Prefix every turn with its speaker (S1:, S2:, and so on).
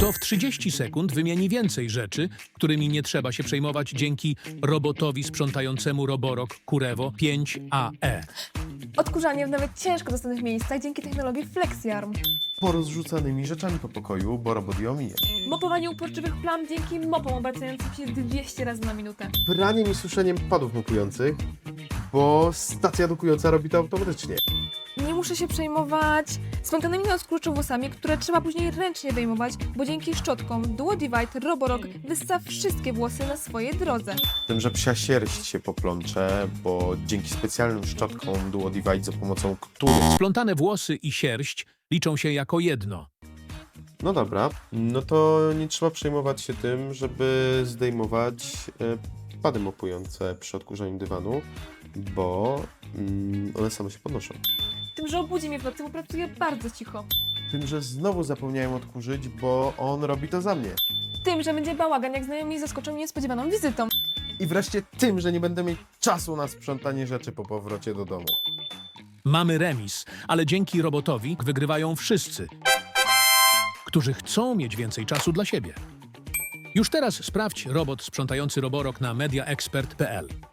S1: To w 30 sekund wymieni więcej rzeczy, którymi nie trzeba się przejmować dzięki robotowi sprzątającemu Roborock Kurevo 5AE.
S2: Odkurzanie w nawet ciężko dostępnych miejscach dzięki technologii FlexiArm.
S3: Porozrzucanymi rzeczami po pokoju, bo robot je omija.
S2: Mopowanie uporczywych plam dzięki mopom obracającym się 200 razy na minutę.
S3: Praniem i suszeniem padów mokujących, bo stacja dokująca robi to automatycznie.
S2: Nie muszę się przejmować spontanicznymi odkurczowłosami, które trzeba później ręcznie wyjmować, bo dzięki szczotkom Duo Divide Roborock wyssa wszystkie włosy na swojej drodze.
S3: Tym, że psia sierść się poplącze, bo dzięki specjalnym szczotkom Duo Divide, za pomocą których...
S1: Splątane włosy i sierść liczą się jako jedno.
S3: No dobra, no to nie trzeba przejmować się tym, żeby zdejmować pady mopujące przy odkurzaniu dywanu, bo one same się podnoszą.
S2: Tym, że obudzi mnie w nocy, bo pracuję bardzo cicho.
S3: Tym, że znowu zapomniałem odkurzyć, bo on robi to za mnie.
S2: Tym, że będzie bałagan, jak znajomi zaskoczą mnie niespodziewaną wizytą.
S3: I wreszcie tym, że nie będę mieć czasu na sprzątanie rzeczy po powrocie do domu.
S1: Mamy remis, ale dzięki robotowi wygrywają wszyscy, którzy chcą mieć więcej czasu dla siebie. Już teraz sprawdź robot sprzątający Roborock na mediaexpert.pl.